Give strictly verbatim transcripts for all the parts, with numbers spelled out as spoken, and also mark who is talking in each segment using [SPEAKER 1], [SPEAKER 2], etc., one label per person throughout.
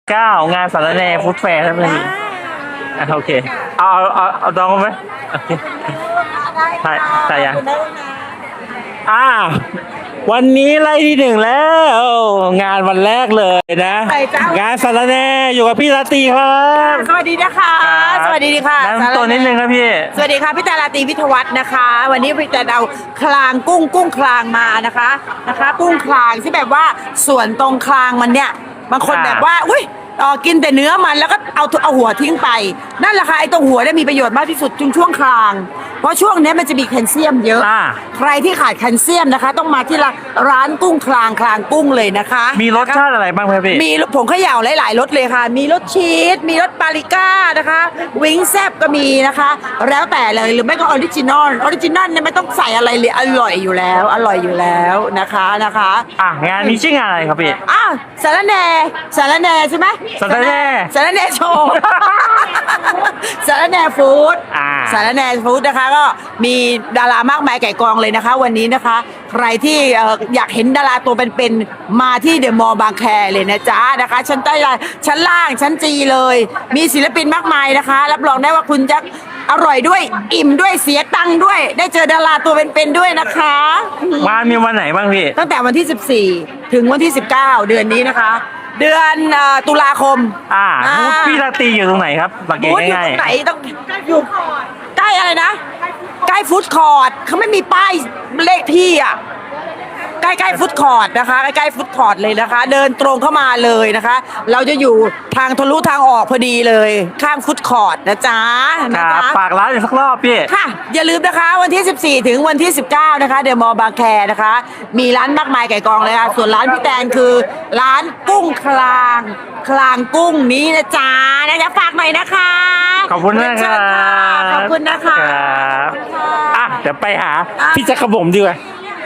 [SPEAKER 1] เก้างานสารแหน่ฟู้ดแฟร์ครับพี่อ่ะโอเคเอาเอาเอาเอาดองไหมโอเคใช่ใช่ยังอ่าวันนี้ไล่ที่หนึ่งแล้วงานวันแรกเลยนะงานสารแหน่อยู่กับพี่ราตรีครับ
[SPEAKER 2] สวัสดีนะคะ สวัสดีค่ะ
[SPEAKER 1] แนะนำตัวนิดนึงครับพี่
[SPEAKER 2] สวัสดีค่ะพี่ตาลาตรีวิทยวัฒน์นะคะ วันนี้พี่จะเอาคลางกุ้งกุ้งคลางมานะคะนะคะ กุ้งคลางที่แบบว่าส่วนตรงคลางมันเนี่ยบางคนแบบว่าอุ้ยเออกินแต่เนื้อมันแล้วก็เอาเอาหัวทิ้งไปนั่นแหละค่ะไอ้ตรงหัวเนี่ยมีประโยชน์มากที่สุดจุงช่วงคลางเพราะช่วงนี้มันจะมีแคลเซียมเยอะ
[SPEAKER 1] อ่า
[SPEAKER 2] ใครที่ขาดแคลเซียมนะคะ ต้องมาที่ร้านกุ้งคลางคลางกุ้งเลยนะคะ
[SPEAKER 1] มีรสชาติอะไรบ้างครับพี่
[SPEAKER 2] มีผงเขย่าหลายๆรสเลยค่ะ มีรสชีส มีรสปาปริก้านะคะ วิงแซบก็มีนะคะ แล้วแต่เลย หรือไม่ก็ออริจินอล ออริจินอลเนี่ยไม่ต้องใส่อะไรเลย อร่อยอยู่แล้ว อร่อยอยู่แล้วนะคะนะคะ
[SPEAKER 1] อ่ะงานนี้ชื่องานอะไรครับพี่
[SPEAKER 2] อ้าวสารแหน่สารแหน่ใช่ไหม
[SPEAKER 1] สารแหน่
[SPEAKER 2] สารแหน่โชว์ สารแหน่ฟู้ด
[SPEAKER 1] อ่า
[SPEAKER 2] สารแหน่ฟู้ดนะคะก็มีดารามากมายไก่กองเลยนะคะ วันนี้นะคะ ใครที่เอ่ออยากเห็นดาราตัวเป็นๆมาที่เดอะมอลล์บางแคเลยนะจ๊ะนะคะชั้นใต้ชั้นล่างชั้นจีเลย มีศิลปินมากมายนะคะ รับรองได้ว่าคุณจะอร่อยด้วยอิ่มด้วยเสียตังค์ด้วย ได้เจอดาราตัวเป็นๆด้วยนะคะ
[SPEAKER 1] งานมีวันไหนบ้างพี่
[SPEAKER 2] ตั้งแต่วันที่ สิบสี่ ถึงวันที่ สิบเก้า เดือนนี้นะคะ เดือนเอ่อตุลาคม
[SPEAKER 1] อ่าบูธพี่ราตรีอยู่ตรงไหนครับสังเกต
[SPEAKER 2] บูธอยู่
[SPEAKER 1] ง่าย
[SPEAKER 2] ตรงไหนต้องอยู่ใกล้อะไรนะ ใกล้ฟู้ดคอร์ทเขาไม่มีป้ายเลขที่อ่ะ ใกล้ๆฟุตคอร์ทนะคะใกล้ๆฟุตคอร์ทเลยนะคะ เดินตรงเข้ามาเลยนะคะ เราจะอยู่ทางทะลุทางออกพอดีเลยข้างฟุตคอร์ทนะจ๊ะ
[SPEAKER 1] ๆ
[SPEAKER 2] นะครับ คะ
[SPEAKER 1] ฝากร้านอีกสักรอบพี่
[SPEAKER 2] ค่ะอย่าลืมนะคะวันที่ สิบสี่ ถึงวันที่ สิบเก้า นะคะเดอะมอลล์บางแคนะคะ มีร้านมากมายไก่กองเลยค่ะส่วนร้านพี่แตนคือร้านกุ้งคลางคลางกุ้งนี้นะจ๊ะนะจ๊ะฝากหน่อยนะคะ
[SPEAKER 1] ขอบคุณนะค
[SPEAKER 2] เชิ
[SPEAKER 1] รั
[SPEAKER 2] ญค่ะ
[SPEAKER 1] บ
[SPEAKER 2] ขอบคุณนะคะ
[SPEAKER 1] ครับอ่ะเดี๋ยวไปหาพี่จักรบุ๋มดีกว่า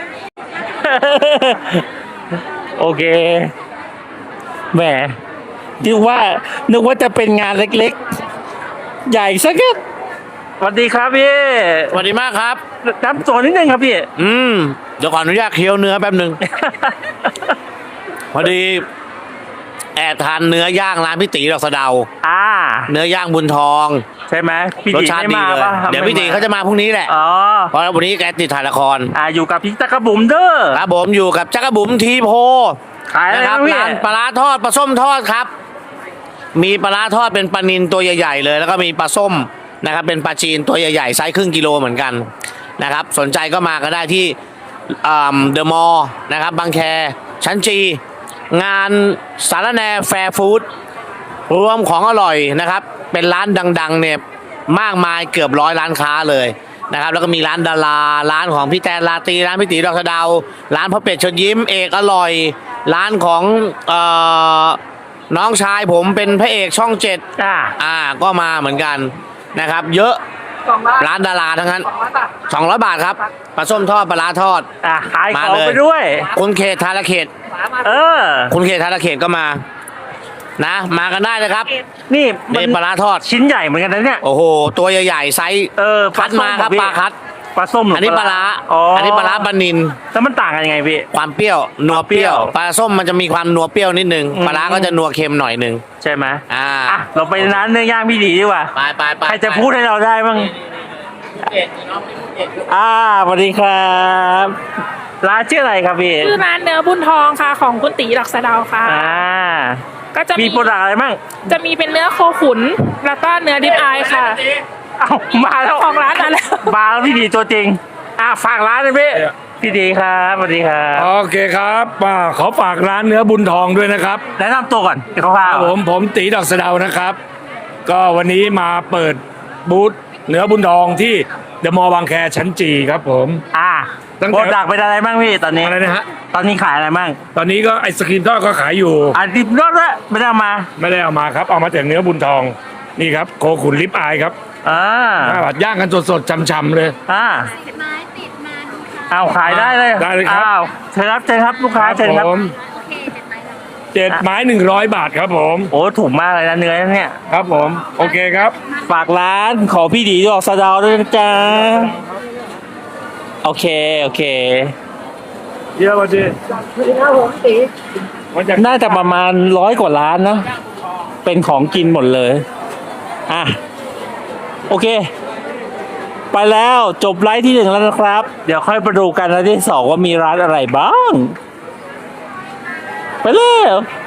[SPEAKER 1] โอเคแหมนึกว่านึกว่าจะเป็นงานเล็กๆ ใหญ่สักนิดสวัสดีครับพี่
[SPEAKER 3] สวัสดีมากครับ
[SPEAKER 1] น้ำตัวนิดนึงครับพี่
[SPEAKER 3] อืม เดี๋ยวก่อนอนุญาตเคี้ยวเนื้อแป๊บหนึ่ง พอดี แอบทานเนื้อย่างร้านพี่ตีดอกสะเดา
[SPEAKER 1] อ่า
[SPEAKER 3] เนื้อย่างบุญทอง
[SPEAKER 1] ใช่ไหมพี่
[SPEAKER 3] รส
[SPEAKER 1] ตี
[SPEAKER 3] ชาติ
[SPEAKER 1] ไม่
[SPEAKER 3] ดี
[SPEAKER 1] มา
[SPEAKER 3] เลย
[SPEAKER 1] ปะ
[SPEAKER 3] เดี๋ยวพี่ตีเขาจะมาพรุ่งนี้แหละ
[SPEAKER 1] อ๋อ
[SPEAKER 3] เพราะวันนี้แกติดถ่ายละคร
[SPEAKER 1] อ่าอยู่กับพี่จักรบุ๋มเด้อ
[SPEAKER 3] ครับผมอยู่กับจักรบุ๋มทีโพ
[SPEAKER 1] ขายอะไร
[SPEAKER 3] นะครั
[SPEAKER 1] บ้างพี่
[SPEAKER 3] ร้านปลาร้าทอดปลาส้มทอดครับ มีปลาร้าทอดเป็นปลานิลตัวใหญ่ๆเลย แล้วก็มีปลาส้มนะครับ เป็นปลาจีนตัวใหญ่ๆไซส์ครึ่งกิโลเหมือนกันนะครับ สนใจก็มาก็ได้ที่เดอะมอลล์นะครับบางแคชั้นจี งานสารแหน่แฟร์ฟู้ดรวมของอร่อยนะครับ เป็นร้านดังๆเนี่ยมากมายเกือบร้อยร้านค้าเลยนะครับ แล้วก็มีร้านดาราร้านของพี่แตนราตรีร้านพี่ตีดอกสะเดาร้านพ่อเป็ดเชิญยิ้มเอกอร่อย ร้านของเอ่อน้องชายผมเป็นพระเอกช่องเจ็ด
[SPEAKER 1] อ่า
[SPEAKER 3] อ่าก็มาเหมือนกันนะครับ เยอะร้านดาราทั้งนั้นสองร้อยบาทครับปลาส้มทอดปลาร้าทอด
[SPEAKER 1] อ่าขายข
[SPEAKER 3] มา
[SPEAKER 1] อง
[SPEAKER 3] เลย
[SPEAKER 1] ไปด้วย
[SPEAKER 3] คุณเขตธารเขต
[SPEAKER 1] เออ
[SPEAKER 3] คุณเขตธารเขตก็มานะ มากันได้เลยครับ
[SPEAKER 1] นี่มั
[SPEAKER 3] นี่ปลาร้าทอด
[SPEAKER 1] ชิ้นใหญ่เหมือนกันนะเนี่ย
[SPEAKER 3] โอ้โห ตัวใหญ่ๆไซส์
[SPEAKER 1] เออ
[SPEAKER 3] คัดมาครับ
[SPEAKER 1] ส้
[SPEAKER 3] ปลาคัด
[SPEAKER 1] ปลาส้มหรื
[SPEAKER 3] อันนี้ปลาร้า
[SPEAKER 1] อ๋อ
[SPEAKER 3] อั
[SPEAKER 1] อั
[SPEAKER 3] นนี้ปลาร้าปลานิน
[SPEAKER 1] แล้วมันต่างกันยังไงพี่
[SPEAKER 3] ความเปรี้ยวนัวเปรี้ยว
[SPEAKER 1] เปรี้ยว
[SPEAKER 3] ปลาส้มมันจะมีความนัวเปรี้ยวนิดนึง
[SPEAKER 1] อืม
[SPEAKER 3] ปลาร้าก็จะนัวเค็มหน่อยนึง
[SPEAKER 1] ใช่ไหม
[SPEAKER 3] อ่า
[SPEAKER 1] อ่ะเราไปร้านเนื้อย่างพี่ดีดีกว่า
[SPEAKER 3] ไปไปไป
[SPEAKER 1] ใครจะพูดให้เราได้บ้างอ่าสวัสดีครับร้านชื่ออะไรครับพี่
[SPEAKER 4] ชื่อร้านเนื้อบุญทองค่ะของคุณตีดอกสะเดาค่ะ
[SPEAKER 1] อ่า
[SPEAKER 4] ก็จะ
[SPEAKER 1] มี
[SPEAKER 4] มี
[SPEAKER 1] โปรดักต์อะไรบ้าง
[SPEAKER 4] จะมีเป็นเนื้อโคขุน แล้วก็เนื้อดิบอายค่ะ
[SPEAKER 1] เอ้ามาแล้ว
[SPEAKER 4] ของร้านมาแล้ว
[SPEAKER 1] มาแล้วพี่ดีตัวจริง อ่ะฝากร้านเลยพี่พี่ดีครับสวัสดีครับ
[SPEAKER 5] โอเคครับอ่าขอฝากร้านเนื้อบุญทองด้วยนะครับ
[SPEAKER 1] แนะนำตัวก่อนค
[SPEAKER 5] ค
[SPEAKER 1] ร่า
[SPEAKER 5] รั
[SPEAKER 1] ว
[SPEAKER 5] บผมผมตีดอกสะเดานะครับ ก็วันนี้มาเปิดบูธเนื้อบุญทองที่เดอะมอลล์บางแคชั้นจีครับผม
[SPEAKER 1] ๆอ่า
[SPEAKER 5] ตั้งแต่
[SPEAKER 1] โปรดักต์เป็นอะไรบ้างพี่ตอนนี้
[SPEAKER 5] อะไรนะฮะ
[SPEAKER 1] ตอนนี้ขายอะไรบ้าง
[SPEAKER 5] ตอนนี้ก็ไอศครีมทอดก็ขายอยู่
[SPEAKER 1] อ่ะดิบรสละไม่ได้เอามา
[SPEAKER 5] ไม่ได้เอามาครับ เอามาแต่เนื้อบุญทองนี่ครับโคขุนลิปอายครับ
[SPEAKER 1] อ่า
[SPEAKER 5] หน้าบัดย่างกันสดๆช่ำๆเลย
[SPEAKER 1] อ่า
[SPEAKER 6] ไม้ติดมาดูค่ะ
[SPEAKER 1] เอาขายได้เลย
[SPEAKER 5] ได้เลยครับ
[SPEAKER 1] อ้าวเชิญครับเชิญครับลูกค้าเชิญครับ
[SPEAKER 5] ผม
[SPEAKER 6] โอเคเจ็ดไม้แล้ว
[SPEAKER 5] เจ็ดไม้หนึ่งร้อยบาทครับผม
[SPEAKER 1] โอ้ถูกมากเลยนะเนื้อเนี่ย
[SPEAKER 5] ครับผมโอเคครับ
[SPEAKER 1] ฝากร้านขอพี่ดีดอกสะเดาวด้วยนะจ๊ะโอเคโอเค
[SPEAKER 5] เยอะมาดิ
[SPEAKER 2] ครับผมตี
[SPEAKER 5] มาจาก
[SPEAKER 1] น่าจะประมาณร้อยกว่าร้านนะเป็นของกินหมดเลย อ่ะ โอเค ไปแล้วจบไลฟ์ที่หนึ่งแล้วนะครับ เดี๋ยวค่อยไปดูกันไลฟ์ที่สองว่ามีร้านอะไรบ้าง ไปแล้ว